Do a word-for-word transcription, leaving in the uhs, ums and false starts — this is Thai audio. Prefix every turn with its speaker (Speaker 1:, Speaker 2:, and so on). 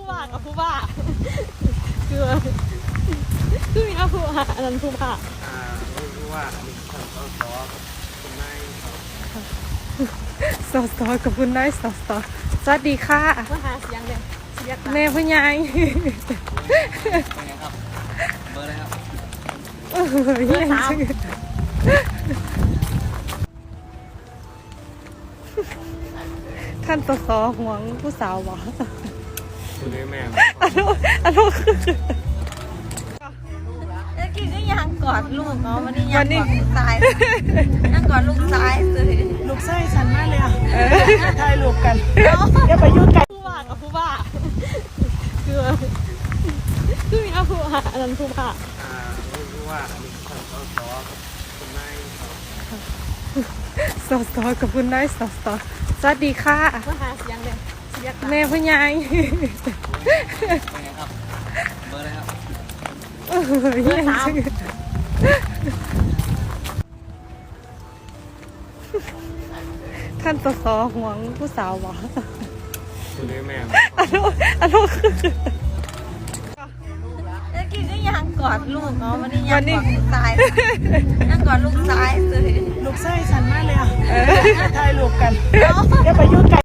Speaker 1: ว่ากับผู้ว่าคือคือมีอาผู้ว่าอันนั้นผู้ว่า
Speaker 2: อ่ารู้ว่าอันนี้ท่านสสคุณนาย
Speaker 3: สอสอกับคุณนายสอสอสวัสดีค่ะ
Speaker 1: มาหาเสียงเลยเสียง
Speaker 3: แม่พ่อใหญ่
Speaker 2: เป็นไงครับเบอร์อะไรครับ
Speaker 3: เออเยี่ยมจังท่านสอสอห่วงผู้สาวหวะ
Speaker 2: คุณแม่
Speaker 3: อันนู้นอันนู้นคือ
Speaker 1: เมื่อกี้ก็ยังกอดลูกเนาะวันนี้
Speaker 3: วั
Speaker 1: ยัง
Speaker 3: นนี้
Speaker 1: กอดลูกชายยังกอดลูกชายเลย
Speaker 4: ลูกไส้ฉันมากเลยอ่ะถ่ายรูปกันอย่าไปยุ่งกัน
Speaker 1: ผู้ว่ากับผู้ว่าคือคือมีอาผู้ว่าอันนั้นผู้ว่า
Speaker 2: อ่ารู้ว่าอันนี้ท่านสสคุณนาย
Speaker 3: สอสอกับคุณนายสอสอสวัสดีค่ะ
Speaker 1: มาหาเสียงเลยเสียง
Speaker 3: แม่พ่อใหญ่
Speaker 2: เป็นไงครับเบอร์อะไรครับ
Speaker 3: เออเยี่ยมจังท่านสอสอห่วงผู้สาวหวะ
Speaker 2: คุณแม่
Speaker 3: อันนู้นอันนู้นคือ
Speaker 1: เมื่อกี้ก็ยังกอดลูกเนาะวันนี้
Speaker 3: วั
Speaker 1: ยัง
Speaker 3: นนี้
Speaker 1: กอดลูกชายยังกอดลูกชายเลย
Speaker 4: ลูกไส้ฉันมากเลยอ่ะถ่ายรูปกันอย่าไปยุ่งกัน